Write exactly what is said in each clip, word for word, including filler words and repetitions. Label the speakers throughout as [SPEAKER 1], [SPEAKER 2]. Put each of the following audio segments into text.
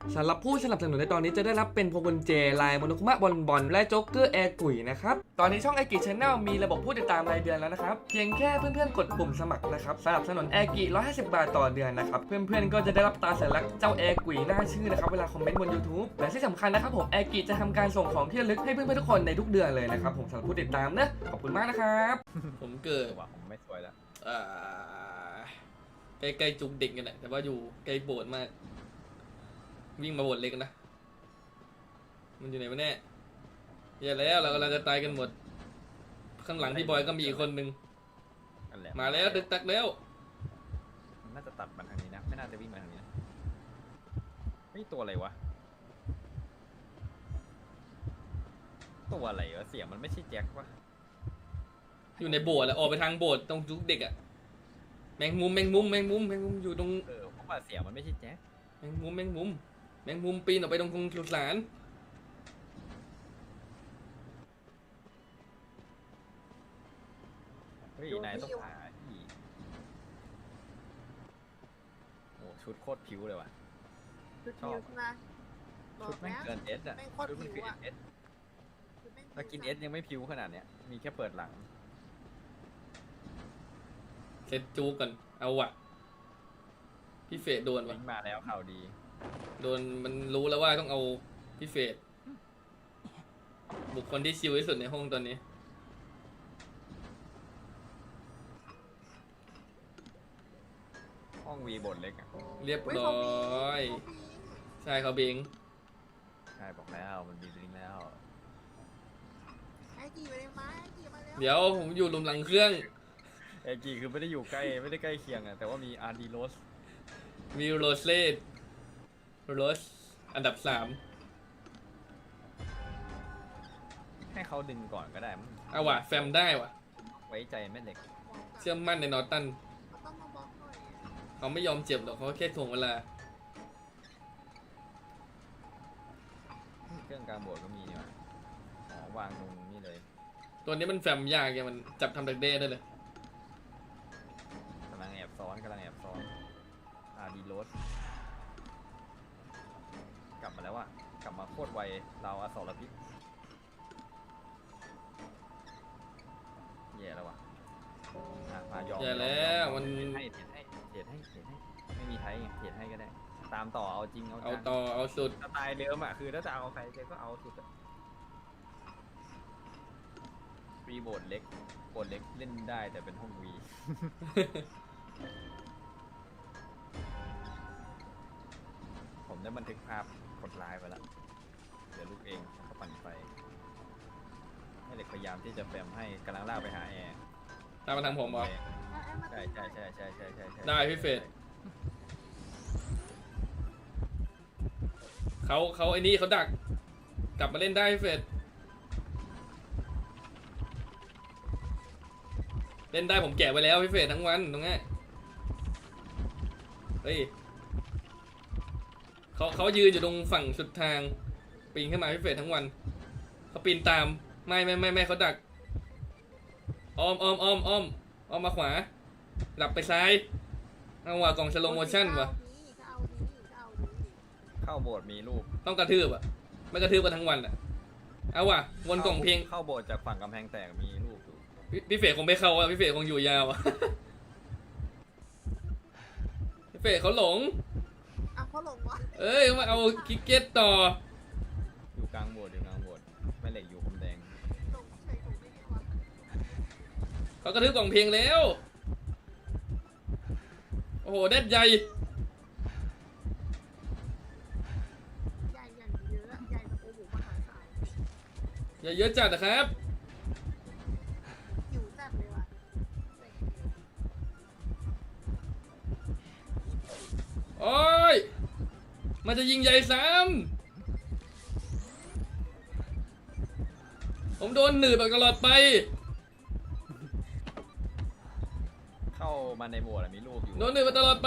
[SPEAKER 1] สำหรับผู้สนับสนุนในตอนนี้จะได้รับเป็นโพกุนเจลายโมโนคุมะบอลบอลและโจ๊กเกอร์แอร์กุ๋ยนะครับตอนนี้ช่องแอร์กิชแนลมีระบบผู้ติดตามรายเดือนแล้วนะครับเพียงแค่เพื่อนๆกดปุ่มสมัครนะครับสนับสนุนแอร์กิหนึ่งร้อยห้าสิบบาทต่อเดือนนะครับเพื่อนๆก็จะได้รับตาสัญลักษณ์เจ้าแอร์กุ๋ยหน้าชื่อนะครับเวลาคอมเมนต์บน YouTube และที่สำคัญนะครับผมแอร์กิจะทำการส่งของที่ระลึกให้เพื่อนๆทุกคนในทุกเดือนเลยนะครับผมสำหรับผู้ติดตามนะขอบคุณมากนะครับผมเกิด
[SPEAKER 2] ว่าผมไม่สวยแล้ว
[SPEAKER 1] อ่าใกล้ๆจุกเด็กกันแหละแต่ว่าอยู่ใกล้โบสถ์มากวิ่งมาโบสถ์เล็กนะมันอยู่ไหนวะเนี่ยอย่าแล้วเรากำลังจะตายกันหมดข้างหลังพี่บอยก็มีอีกคนนึง
[SPEAKER 2] นั่นแหละ
[SPEAKER 1] มาแล้วดึกตักแล้ว
[SPEAKER 2] น่าจะตัดมันทางนี้นะไม่น่าจะวิ่งมาทางนี้นะนี่ตัวอะไรวะตัวอะไรวะเสียงมันไม่ใช่แจ็ควะ
[SPEAKER 1] อยู่ในโบสถ์แล้วออกไปทางโบสถ์ตรงจุกเด็กอะแมงมุมแมงมุมแมงมุมแมงมุมอยู่ตรง
[SPEAKER 2] เออเพราะว่าเสียงมันไม่ใช่แจ็ค
[SPEAKER 1] แมงมุมแมงมุมแมงมุมปีนออกไปตรงตรงสุสาน
[SPEAKER 2] เฮ้ยนายต้องหาที่โอ้ชุดโคตรผิวเลยว่ะ
[SPEAKER 3] ชุดนิ้วใช่ไหมบอ
[SPEAKER 2] ชุด
[SPEAKER 3] ก
[SPEAKER 2] แม่ง
[SPEAKER 3] แล้ว
[SPEAKER 2] เกินเอสอ่ะ
[SPEAKER 3] แม่งโคตร
[SPEAKER 2] ชุดมัน
[SPEAKER 3] ผิ
[SPEAKER 2] คือ
[SPEAKER 3] วอะ
[SPEAKER 2] เอส
[SPEAKER 3] ชุดแม่ง
[SPEAKER 2] ถ้ากินเอสยังไม่ผิวขนาดเนี้ยมีแค่เปิดหลัง
[SPEAKER 1] เสร็จจูก่อนเอาวะพี่เฟดโดนวะ
[SPEAKER 2] วิ่งมาแล้วข่าวดี
[SPEAKER 1] โดนมันรู้แล้วว่าต้องเอาพี่เฟดบุคคลที่ชิลที่สุดในห้องตอนนี้
[SPEAKER 2] ห้องวีบทเล็กอ่ะ
[SPEAKER 1] เรียบร้อยใช่เขาเบง
[SPEAKER 2] ใช่บอกแล้วมันมีลิงก์แล้ว
[SPEAKER 3] ไอ้กี่มาเลยมาไอ้กี่มาแล้ว
[SPEAKER 1] เดี๋ยวผมอยู่หลุมหลังเครื่อง
[SPEAKER 2] เอจีคือไม่ได้อยู่ใกล้ไม่ได้ใกล้เคียงอ่ะแต่ว่ามีอาร์ดีโรส
[SPEAKER 1] มีโรสเล่โรสอันดับสาม
[SPEAKER 2] ให้เขาดึงก่อนก็ได้มั้ง
[SPEAKER 1] เอาว่ะแฟมได้ว่ะ
[SPEAKER 2] ไว้ใจแม่เหล็ก
[SPEAKER 1] เชื่อมั่นในนอร์ตัน
[SPEAKER 3] เขาต้องมาบล็อกหน่อยอะ
[SPEAKER 1] เขาไม่ยอมเจ็บหรอกเขาแค่ถ่วงเวลา
[SPEAKER 2] เครื่องกลางโบสถ์ก็มีนี่หว่าอ๋อวางตรงนี้เลย
[SPEAKER 1] ตัวนี้มันแฟมยากไงมันจับทำดักเด้ได้เลย
[SPEAKER 2] กำลังแอบซ้อนกำลังแอบซ้อนอาร์ดีโรสกลับมาแล้วว่ะกลับมาโคตรไวเราอสรพิษแย่แล้วว่ะอ่ะมายอม
[SPEAKER 1] แย่แล้วมัน
[SPEAKER 2] เทรดให้เทรดให้เทรดให้เทรดให้ไม่มีไทยไงเทรดให้ก็ได้ ตามต่อเอาจริงเอา
[SPEAKER 1] เอา
[SPEAKER 2] จัง
[SPEAKER 1] ต่อเอาสุด
[SPEAKER 2] สไตล์เดิมอ่ะคือถ้าจะเอาใครเจก็เอาสุดอะฟรีโบดเล็กโบดเล็กเล่นได้แต่เป็นห้องวี ผมได้บันทึกภาพกดไลน์ไปแล้วเดี๋ยวลูกเองเขาปั่นไฟให้เด็กพยายามที่จะแฟมให้กำลังลากไปหาแอร์
[SPEAKER 1] ตามมาทางผมเหรอ
[SPEAKER 3] เอาเอามา
[SPEAKER 2] ใช่ใช่ใช่ใช่ใช่ใช่ใช่
[SPEAKER 1] ได้พี่เฟรด เขาเขาไอ้นี่เขาดัก กลับมาเล่นได้พี่เฟดเล่นได้ผมแกะไว้แล้วพี่เฟดทั้งวันตรงนี้เฮ้ยเขาเขายืนอยู่ตรงฝั่งสุดทางปีนขึ้นมาพี่เฟดทั้งวันเขาปีนตามไม่ไม่ไม่ไม่เขาดักอ้อมอ้อมอ้อมอ้อมอ้อมมาขวาหลับไปซ้ายเอาว่ะกล่องสโลโมชั่นว่ะ
[SPEAKER 3] ก็เอาดีก็เอาดี
[SPEAKER 2] เข้าโบสถ์มีรูป
[SPEAKER 1] ต้องกระทืบอ่ะไม่กระทืบกันทั้งวันอ่ะเอาว่ะวนกล่องเพลง
[SPEAKER 2] เข้าโบสถ์จากฝั่งกำแพงแตกมีรูปอยู่
[SPEAKER 1] พี่พี่เฟยคงไม่เข้าอ่ะพี่เฟยคงอยู่ยาวอ่ะ พี่เฟยเขาหลง
[SPEAKER 3] อ่ะเขาหลงวะ
[SPEAKER 1] เอ้ยมาเอาคิกเก็ตต่อ
[SPEAKER 2] อยู่กลางโบสถ์อยู่กลางโบสถ์แม่เหล็กอยู่คมแดง
[SPEAKER 3] หลงใช่หลงได้ไงวะ
[SPEAKER 1] เขากระทืบกล่องเพลงแล้วโอ้โหเด็ดใหญ่
[SPEAKER 3] ใหญ่อย่างเยอะใหญ่แบบโอ้โหมหาศาล
[SPEAKER 1] อย่าเยอะจัดนะครับ
[SPEAKER 3] หิวจัดเลยว่ะ
[SPEAKER 1] โอ้ยมันจะยิงใหญ่ซ้ำผมโดนหนืดแบบตลอดไป
[SPEAKER 2] เข้ามาในโบสถ์อะมีรูปอยู่
[SPEAKER 1] โดนหนืดมาตลอดไป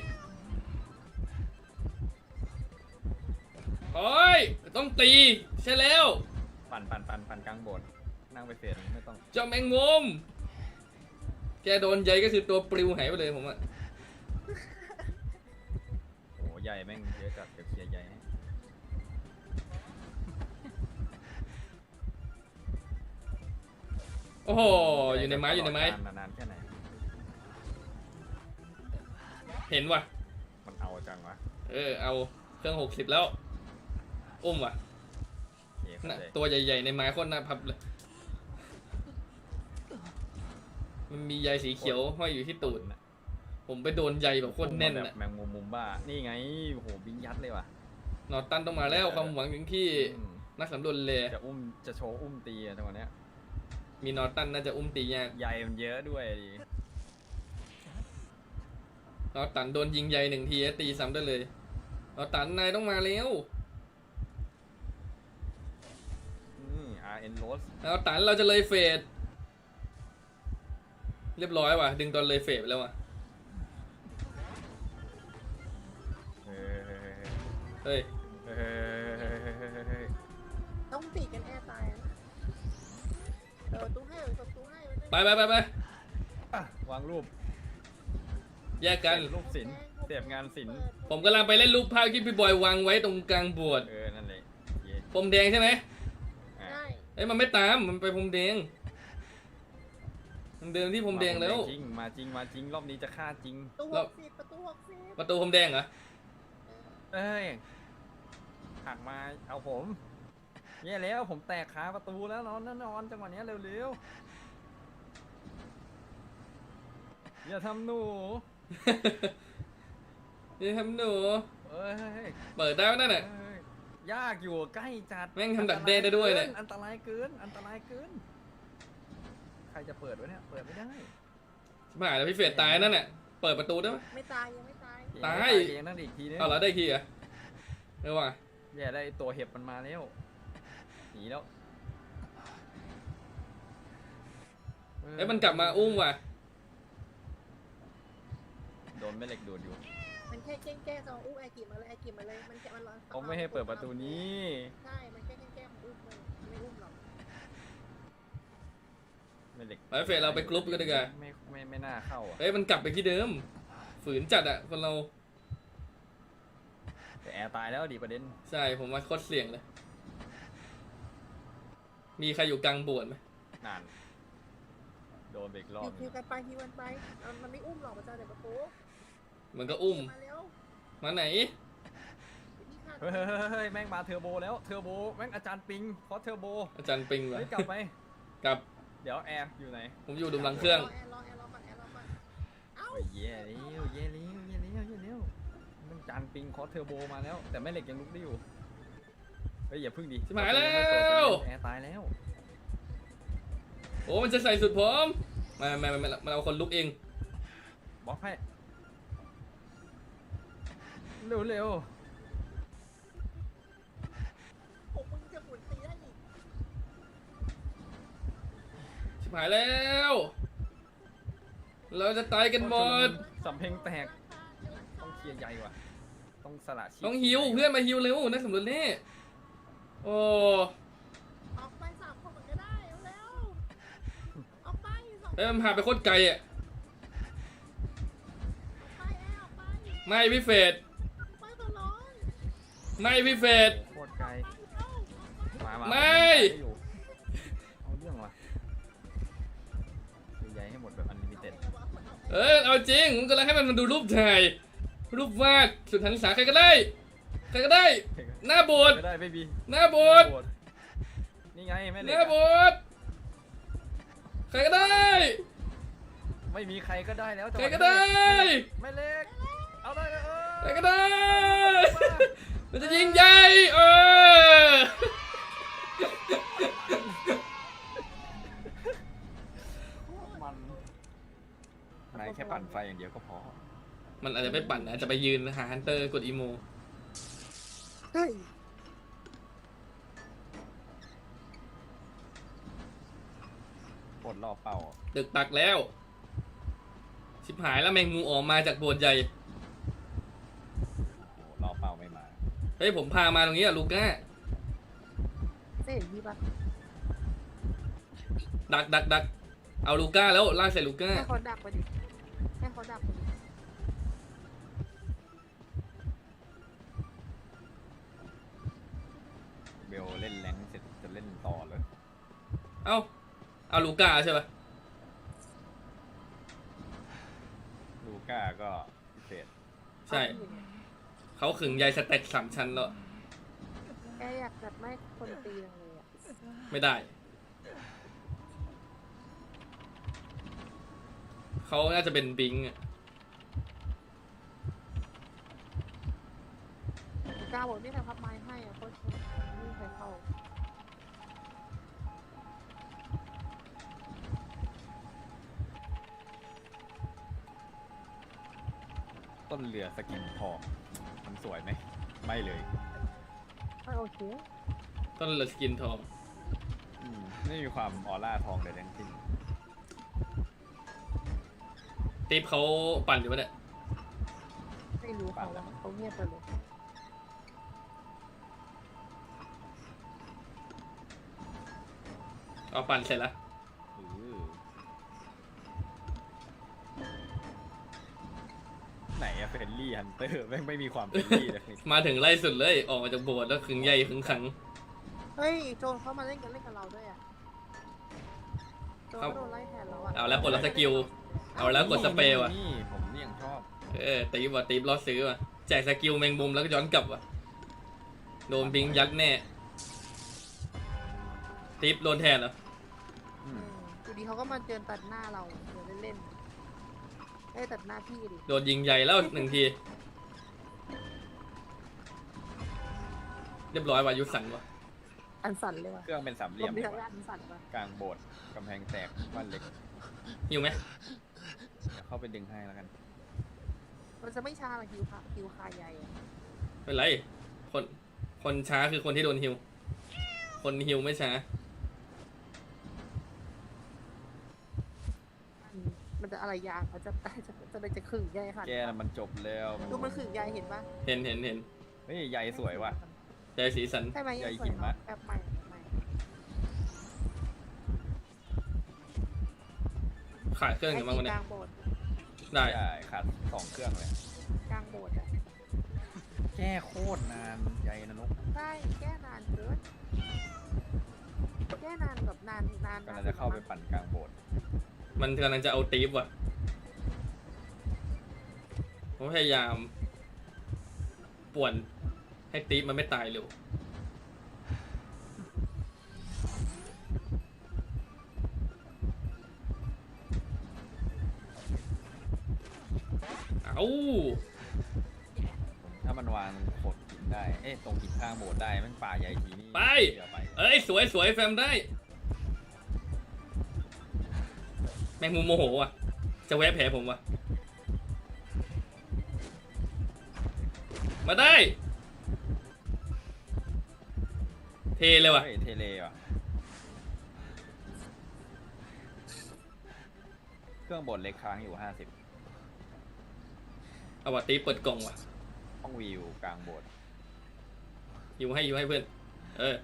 [SPEAKER 1] โอ้ยต้องตีใช่แล้ว
[SPEAKER 2] ปั่นปั่นปั่นปั่นกลางโบสถ์นั่งไปเฟสไม่ต้อง
[SPEAKER 1] เจ้าแมงมุมแกโดนใหญ่ก็คือตัวปลิวหายไปเลยผมอะ
[SPEAKER 2] โอ้ใหญ่แม่งเยอะจัดเดี๋ยวเคลียร์ใหญ่ให้
[SPEAKER 1] โอ้โหอยู่ในไม้อยู่ในไม้
[SPEAKER 2] นานๆแค่ไหน
[SPEAKER 1] เห็นว่ะ
[SPEAKER 2] มันเอาจังวะ
[SPEAKER 1] เออเอาเครื่องหกสิบแล้วอุ้มว่ะ
[SPEAKER 2] โอเคเข้า
[SPEAKER 1] น่ะ
[SPEAKER 2] ใจ
[SPEAKER 1] ตัวใหญ่ๆในไม้โคตรน่าพับเลยมันมีใยสีเขียวห้อยอยู่ที่ตูดน่ะผมไปโดนใยแบบโคตรแน่น
[SPEAKER 2] แบบ
[SPEAKER 1] น่ะ
[SPEAKER 2] แมงมุมมุมบ้านี่ไงโอ้โหบิงยัดเลยว่ะ
[SPEAKER 1] นอตันต้องมาแล้วความหวังถึงที่
[SPEAKER 2] อืม
[SPEAKER 1] นักสำรวจเลย
[SPEAKER 2] จะอุ้มจะโชว์อุ้มตีอะจังหวะเนี้ย
[SPEAKER 1] มีนอตันน่าจะอุ้มตียาก
[SPEAKER 2] ใยมันเยอะด้วยดิ
[SPEAKER 1] นอตันโดนยิงใยหนึ่งทีตีซ้ำได้เลยนอตันนายต้องมาแล้ว
[SPEAKER 2] นี่ อาร์ เอ็น Rose
[SPEAKER 1] นอตันเราจะเลยเฟสเรียบร้อยว่ะดึงตอนเลยเฟสไปแล้วว่ะ
[SPEAKER 2] เฮ้
[SPEAKER 1] เฮ้ย
[SPEAKER 2] ยเฮ้ยเฮ้ยเฮ้ยเฮ้ยเฮ้ย
[SPEAKER 3] ต้องตีกันแอร์ตายนะเออตู้ให้เออตู้ให้
[SPEAKER 1] ไปไปไปไป
[SPEAKER 2] อ่ะวางรูป
[SPEAKER 1] แยกกัน
[SPEAKER 2] รูปศิลป์เสียบงานศิลป์
[SPEAKER 1] ผมกำลังไปเล่นรูปภาพที่พี่บอยวางไว้ตรงกลางโบสถ์
[SPEAKER 2] เออ นั่นเลยเย้
[SPEAKER 1] พรมแดงใช่ไหม
[SPEAKER 2] อ่ะ
[SPEAKER 3] ได้
[SPEAKER 1] เอ้ยมันไม่ตามมันไปพรมแดงมันเดินที่พรมแดงแล้ว
[SPEAKER 2] จริงมาจริงมาจริงรอบนี้จะฆ่าจริง
[SPEAKER 3] ตู้ห
[SPEAKER 1] แล้ว
[SPEAKER 3] กสิบประตูหกสิบ
[SPEAKER 1] ประตูพรมแดงเหรอ
[SPEAKER 2] เอ้ยหักมาเอาผมแย่แล้วผมแตกขาประตูแล้วนอนนอนจังหวะเนี้ยเร็วๆอย่าทำหนู
[SPEAKER 1] นี่ทำหนู
[SPEAKER 2] เอ้ย
[SPEAKER 1] เปิดได้ไหมนั่น
[SPEAKER 2] เอ้
[SPEAKER 1] น่ะ
[SPEAKER 2] ยยากอยู่ใกล้จัด
[SPEAKER 1] แม่งทำดักแด้ได้ด้วยเนี่ย
[SPEAKER 2] อันตรายเกินอันตรายเกินใครจะเปิดวะเนี่ยเปิดไม่ได้
[SPEAKER 1] ชิบหายแล้วพี่เฟรดตายนั่นน่ะเปิดประตูได้ไหม
[SPEAKER 3] ไม่ตายยังไม่ตาย
[SPEAKER 1] ตาย
[SPEAKER 2] เองนั่นอีกทีนึง
[SPEAKER 1] เอาเหรอได้ทีเหรอเออว่ะ
[SPEAKER 2] แย่ได้ตัวเห็บมันมาแล้วหนีแล้ว
[SPEAKER 1] เอ้ยมันกลับมาอุ้มว่ะ
[SPEAKER 2] โดนแม่เหล็กดูดอยู่
[SPEAKER 3] มันแค่แกล้งแกล้งจะอู้ไอกิมาเลยไอกิมาเลยมันแค่มันรอ
[SPEAKER 2] เขาไม่ให้เปิดประตูนี้
[SPEAKER 3] ใช่มันแค่แกล้งแกล้งอุ้มเลยไม่อุ้มหรอก
[SPEAKER 2] แม่เหล็ก
[SPEAKER 1] ไปเฟรดเราไปกรุ๊ปกันดีกว่า
[SPEAKER 2] ไม่ไม่ไม่น่าเข้าอ่ะ
[SPEAKER 1] เอ้ยมันกลับไปที่เดิม ฝืนจัดอะคนเรา
[SPEAKER 2] แต่แอร์ตายแล้วดิประเด็น
[SPEAKER 1] ใช่ผมว่าโคตรเสี่ยงเลย มีใครอยู่กลางโบสถ์ไหม
[SPEAKER 2] นานโดนเบรกรอบ
[SPEAKER 3] ฮิวกันไปฮิวกันไปมันไม่อุ้มหรอกมันจะเดี๋ยวประตู
[SPEAKER 1] มันก็อุ้ม
[SPEAKER 3] มาเร็ว
[SPEAKER 1] มาไหน
[SPEAKER 3] นี่ค่ะ
[SPEAKER 2] เฮ้ยเฮ้ยเฮ้ยเฮ้ยแม่งมาเทอร์โบแล้วเทอร์โบแม่งอาจารย์ปิงเพราะเทอร์โบ
[SPEAKER 1] อาจารย์ปิงวะ
[SPEAKER 2] เฮ้ยกลับไป
[SPEAKER 1] กลับ
[SPEAKER 2] เดี๋ยวแอร์อยู่ไหน
[SPEAKER 1] ผมอยู่ดุมหลังเครื่อง
[SPEAKER 3] รอแอร์รอแอร์รอก่อนแอร์รอก่อนเอ้า
[SPEAKER 2] โอ้ยเย่เลี้ยวเย่เลี้ยวเย่เลี้ยวเย่เลี้ยวแม่งจานปิงเพราะเทอร์โบมาแล้ว แต่แม่เหล็กยังลุกได้อยู่เฮ้ยอย่าพึ่งดิ
[SPEAKER 1] ชิบหายแล้ว
[SPEAKER 2] แอร์ตายแล้ว
[SPEAKER 1] โอ้มันจะใส่สุดผมไมาไม่ไม่ไม่มันเอาคนลุกเอง
[SPEAKER 2] บล็อกให้เร็วเร็ว
[SPEAKER 3] ผมมึงจะหมุนตีได้อีก
[SPEAKER 1] ชิบหายแล้ว เราจะตายกันหมด
[SPEAKER 2] สำเพ็งแตกต้องเคลียร์ใหญ่ว่ะต้องสละชีพ
[SPEAKER 1] ต้องฮิวเพื่อนมาฮิวเร็วนักสำรวจนี่โอ้
[SPEAKER 3] ออกไปสามคนเหมือนก็ได้เร็วๆออกไปสอง
[SPEAKER 1] เอ้ยมันพาไปโคตรไกลอ่ะ
[SPEAKER 3] ไปแอร์ออกไป
[SPEAKER 1] ไม่พี่เฟรด
[SPEAKER 3] ไปตลอด
[SPEAKER 1] ไม่พี่เฟรด
[SPEAKER 2] โคตรไกลมามา
[SPEAKER 1] ไม่
[SPEAKER 2] อยู่เอาเรื่องว่ะเคลียร์ใหญ่ให้หมดแบบอันลิมิเต็ด
[SPEAKER 1] เออเอาจริงผมกำลังให้มันมาดูรูปถ่ายรูปวาดสุดหันษาใครก็ได้ใครก็ได้ หน้าโบสถ์
[SPEAKER 2] ไม่ได้ไม่มี
[SPEAKER 1] หน้าโบสถ์
[SPEAKER 2] นี่ไงแม่
[SPEAKER 1] ห
[SPEAKER 2] เหล็ก
[SPEAKER 1] น้าโบสถ์ใครก็ได้
[SPEAKER 2] ไม่มีใครก็ได้แล้ว
[SPEAKER 1] ใครก็ได้
[SPEAKER 2] แม่เหล็กเอาได้เลยเออ
[SPEAKER 1] ใครก็ได้มันจะยิงใหญ่เออ
[SPEAKER 2] มันนายแค่ปั่นไฟอย่างเดียวก็พอ
[SPEAKER 1] มันอาจจะไม่ปั่นนะอาจจะไปยืนหาฮันเตอร์กดอีโม
[SPEAKER 3] เฮ้ย
[SPEAKER 2] ปลดรอบเป่า
[SPEAKER 1] ตึกตักแล้ว ชิบหายแล้วแมงมุมออกมาจากโบสถ์ใหญ่
[SPEAKER 2] โอ้โหรอบเป่าไม่มา
[SPEAKER 1] เฮ้ยผมพามาตรงนี้อะลูก้า
[SPEAKER 3] ไม่เห็นพี่ปะ
[SPEAKER 1] ดักดักดักเอาลูก้าแล้วลากใส่ลูก้า
[SPEAKER 3] ให้เขาดักไปดิให้เขาดักไปดิ
[SPEAKER 2] เบลเล่นแรงค์เสร็จจะเล่นต่อเลย
[SPEAKER 1] เอ้าเอาลูก้าใช่ปะ
[SPEAKER 2] ลูก้าก็พิเศษ
[SPEAKER 1] ใช่เขาขึงใยสเต็กสามชั้นแล้ว
[SPEAKER 3] แกอยากจัดไม่คนตีจังเลยอ่ะ
[SPEAKER 1] ไม่ได้เขาน่าจะเป็นบิงค์อะ
[SPEAKER 3] กาบอกนี่ทำพับไม้ให้อ่ะโคตรไม่มีใครเข้า
[SPEAKER 2] ต้นเรือสกินทองมันสวยไหมไม่เลย
[SPEAKER 3] ไม่โอเค
[SPEAKER 1] ต้นเลสกินทอง
[SPEAKER 2] อืมไม่มีความออร่าทองเลยทั้งสิ้น
[SPEAKER 1] ติ๊บเขาปั่นอยู่ปะเนี่ย
[SPEAKER 3] ไม่รู้เขาแล้วเขาเงียบไปเลย
[SPEAKER 1] เอาปั่นเสร็จแล้ว
[SPEAKER 2] อือไหนอะเฟรนลี่ฮันเตอร์แม่งไม่มีความเฟรนลี่เลย
[SPEAKER 1] มาถึงไล่สุดเลยออกมาจากโบสถ์แล้วขึงใยขึงขัง
[SPEAKER 3] เฮ้ยโจนเขามาเล่นกันเล่นกับเราด้วยอ่ะโจนก็โดนไล่แทนแล้วอ่ะ
[SPEAKER 1] เอาแล้วกดรับสกิล เอาแล้วกดสเปรย์ว่ะ
[SPEAKER 2] นี่ผมนี่ยังชอบ
[SPEAKER 1] เออตีบว่ะตีบรอซื้อว่ะแจกสกิลแมงมุมแล้วก็ย้อนกลับว่ะโดนบิงยักษ์แน่ตีบโดนแทนเหรอ
[SPEAKER 2] อืม
[SPEAKER 3] อยู่ดีเขาก็มาเจอตัดหน้าเราเดี๋ยวเล่นๆเอ้ยตัดหน้าพี่ดิ
[SPEAKER 1] โดนยิงใหญ่แล้วหนึ่งทีเรียบร้อยว่ะยุสันว่ะ
[SPEAKER 3] อันสั่นเลยว่ะ
[SPEAKER 2] เครื่องเป็นสามเห
[SPEAKER 3] ล
[SPEAKER 2] ลี่ยม
[SPEAKER 3] ม
[SPEAKER 2] ดี
[SPEAKER 3] ที่
[SPEAKER 2] กว่า
[SPEAKER 3] อันสั่นว่ะ
[SPEAKER 2] กลางโบสถ์กำแพงแตกบ้านเล็ก
[SPEAKER 1] หิวไหม
[SPEAKER 2] เดี๋ยวเข้าไปดึงให้แล้วกัน
[SPEAKER 3] มันจะไม่ช้าหรอกคิวค่ะคิวคาใหญ่อะ
[SPEAKER 1] ไม่เป็นไรคนคนช้าคือคนที่โดนฮิวคนฮิวไม่ช้า
[SPEAKER 3] อืมมันจะอะไรยางมันจะจะจะจะจะขึงใหญ่ค่ะ
[SPEAKER 2] แกน่ะมันจบแล้ว
[SPEAKER 3] ดูมันขึงใหญ่เห็นปะ
[SPEAKER 1] เห็นเห็นเห็น
[SPEAKER 2] เฮ้ยใยสวยว่ะ
[SPEAKER 1] ใจสีสัน
[SPEAKER 3] ใช่ไหม
[SPEAKER 2] ใหญ่
[SPEAKER 3] ยังส
[SPEAKER 2] หิ
[SPEAKER 3] วย
[SPEAKER 2] มะ
[SPEAKER 3] เนาะแบบใหม่แบบใหม่
[SPEAKER 1] ขายเครื่องอย่างบ้างวัน
[SPEAKER 3] ก
[SPEAKER 1] นี้
[SPEAKER 3] ลางโบสถ์
[SPEAKER 1] ได้
[SPEAKER 2] ใช่ขาดสองเครื่องเลย
[SPEAKER 3] กลางโบสถ์อะ
[SPEAKER 2] แก้โคตรนานใยนะนก
[SPEAKER 3] ใช่แก้นานเกินแก้นานแบบนานนาน
[SPEAKER 2] กำลังจะเข้าไปปั่นกลางโบสถ์
[SPEAKER 1] มันกำลังจะเอาตีฟว่ะผมพยายามป่วนให้ตีฟมันไม่ตายเร็วเอา
[SPEAKER 2] ถ้ามันวางโขดหินได้ เอ๊ะตรงหินข้างโบสถ์ได้แมันป่าใหญ่ทีนี่
[SPEAKER 1] ไป
[SPEAKER 2] เดี๋ยวไป
[SPEAKER 1] เอ้ยสวยสวยแฟมได้ แมงมุมโมโหว่ะ จะแวะแผลผมว่ะ มาได้ เทเลยว่ะ
[SPEAKER 2] เฮ้ยเทเลว่ะ เครื่องโบสถ์เล็กค้างอยู่ห้าสิบ
[SPEAKER 1] เอาว่ะตีเปิดกล่องว่ะ
[SPEAKER 2] ห้องวิวกลางโบสถ์
[SPEAKER 1] อยู่ให้อยู่ให้เพื่อน เออ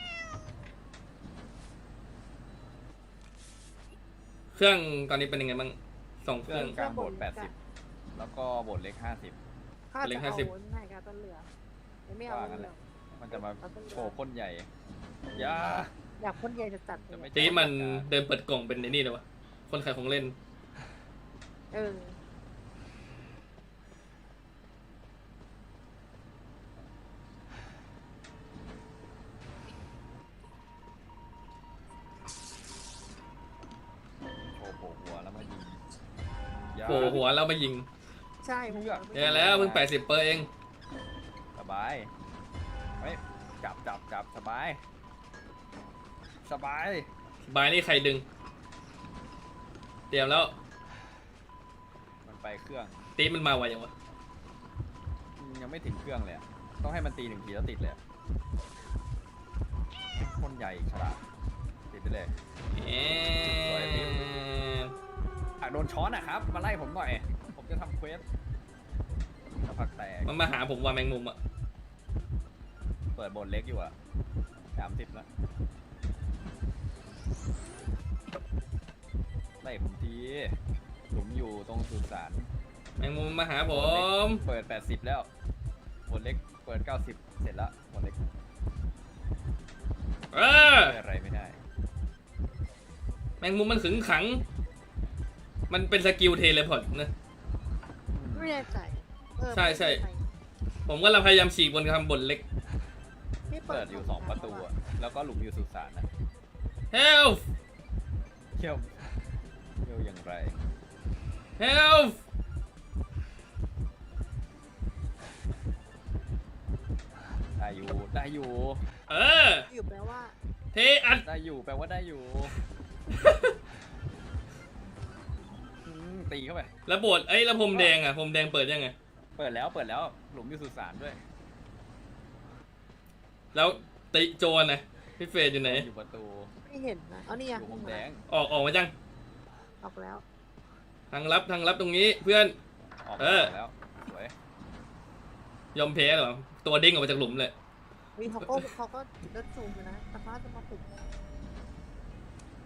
[SPEAKER 1] เครื่องตอนนี้เป็นยังไงบ้างสองเค
[SPEAKER 2] เครื่
[SPEAKER 1] รื่
[SPEAKER 2] อ
[SPEAKER 1] อง ง
[SPEAKER 2] กลางโบสถ์แปดสิบแล้วก็โบสถ์เล็กห้าสิบ
[SPEAKER 3] ข้า
[SPEAKER 1] เล็
[SPEAKER 3] จะ
[SPEAKER 1] ก
[SPEAKER 3] เอา
[SPEAKER 1] ห้าสิบ
[SPEAKER 3] วนให้กับต้นเหลือไม่เอา
[SPEAKER 2] ว่า
[SPEAKER 3] ต้
[SPEAKER 2] งั้
[SPEAKER 3] น
[SPEAKER 2] น
[SPEAKER 3] เห
[SPEAKER 2] แห
[SPEAKER 3] ลื
[SPEAKER 2] ละ
[SPEAKER 3] อ
[SPEAKER 2] มันจะมาโชว์พ่นใหญ่อยา
[SPEAKER 3] อยากพ่นใหญ่จะจัดเล
[SPEAKER 2] จะไม่
[SPEAKER 3] ย
[SPEAKER 1] ตีมันเดินเปิดกล่องเป็นไอ้นี่เลยวะคนขายของเล่น
[SPEAKER 3] เออ
[SPEAKER 2] โชว์โผล่หัวแล้วมายิงยา
[SPEAKER 1] โผล่หัวแล้วมายิง
[SPEAKER 3] ใช่
[SPEAKER 2] เลือก
[SPEAKER 1] เดี๋ยวแล้วเพิ่งแปดสิบเปอร์เอง
[SPEAKER 2] สบายเฮ้ยจับจับจับสบาย สบาย
[SPEAKER 1] บายนี่ใครดึง เตรียมแล้ว
[SPEAKER 2] มันไปเครื่อง
[SPEAKER 1] ตีมันมาไวยังวะ
[SPEAKER 2] อืมยังไม่ถึงเครื่องเลยอะต้องให้มันตีหนึ่งทีแล้วติดเลยอะพ่นใหญ่ฉลาดติดไปเลย
[SPEAKER 1] เอ๊
[SPEAKER 2] สวยพี่
[SPEAKER 1] ะ
[SPEAKER 2] อ่ะโดนช้อนอ่ะครับ มาไล่ผมหน่อย ผมจะทำเควสกระพักแตก
[SPEAKER 1] มันมาหาผมว่าแมงมุมอ่ะ
[SPEAKER 2] เปิดโบนเล็กอยู่อ่ะสามสิบแล้วไล่ผมทีหลุมอยู่ตรงสุสาน
[SPEAKER 1] แมงมุมมาหาผม
[SPEAKER 2] เปิดแปดสิบแล้วโบนเล็กเปิดเก้าสิบเสร็จแล้วโบนเล็ก
[SPEAKER 1] เออ
[SPEAKER 2] ช่วยอะไรไม่ได้
[SPEAKER 1] แมงมุมมันขึงขัง มันเป็นสกิลเทเลพอร์ตนะ
[SPEAKER 3] ไม่แน่ใจเออ
[SPEAKER 1] ใช่ใช่
[SPEAKER 3] ไม่แน่จ
[SPEAKER 1] ผมกำลังพยายามฉีกบนคำบนเล็ก
[SPEAKER 3] พี่
[SPEAKER 2] เปิดอยู่สองประตูอะแล้วก็หลุมอยู่สุสานนะ
[SPEAKER 1] help
[SPEAKER 2] เที่ยวเที่ยวอย่างไร
[SPEAKER 1] help
[SPEAKER 2] ได้อยู่ได้อยู่
[SPEAKER 1] เออ
[SPEAKER 3] อยู่แปลว่า
[SPEAKER 1] เทอัด
[SPEAKER 2] ได้อยู่แปลว่าได้อยู่อืมตีเข้าไป
[SPEAKER 1] แล้วโบดไอ้ยแล้วพรมแดงอ่ะพรมแดงเปิดยังไง
[SPEAKER 2] เปิดแล้วเปิดแล้วหลุมอยู่สุสานด้วย
[SPEAKER 1] แล้วติโจรนะพี่เฟรดอยู่ไหน
[SPEAKER 2] อยู่ประตู
[SPEAKER 3] ไม่เห็นนะเอานี่
[SPEAKER 2] อ
[SPEAKER 3] อ่ะ
[SPEAKER 2] ยู่มุมแดง
[SPEAKER 1] ออกออกมาจัง
[SPEAKER 3] ออกแล้ว
[SPEAKER 1] ทางลับทางลับตรงนี้เพื่อน
[SPEAKER 2] ออก
[SPEAKER 1] เออ
[SPEAKER 2] มาแล้วสวย
[SPEAKER 1] ยอมแพ้เหรอตัวเด้งออกมาจากหลุมเลย
[SPEAKER 3] มีเขาก็เขาก็เดินซูมอยู่นะแต่เขาจะมาปลุก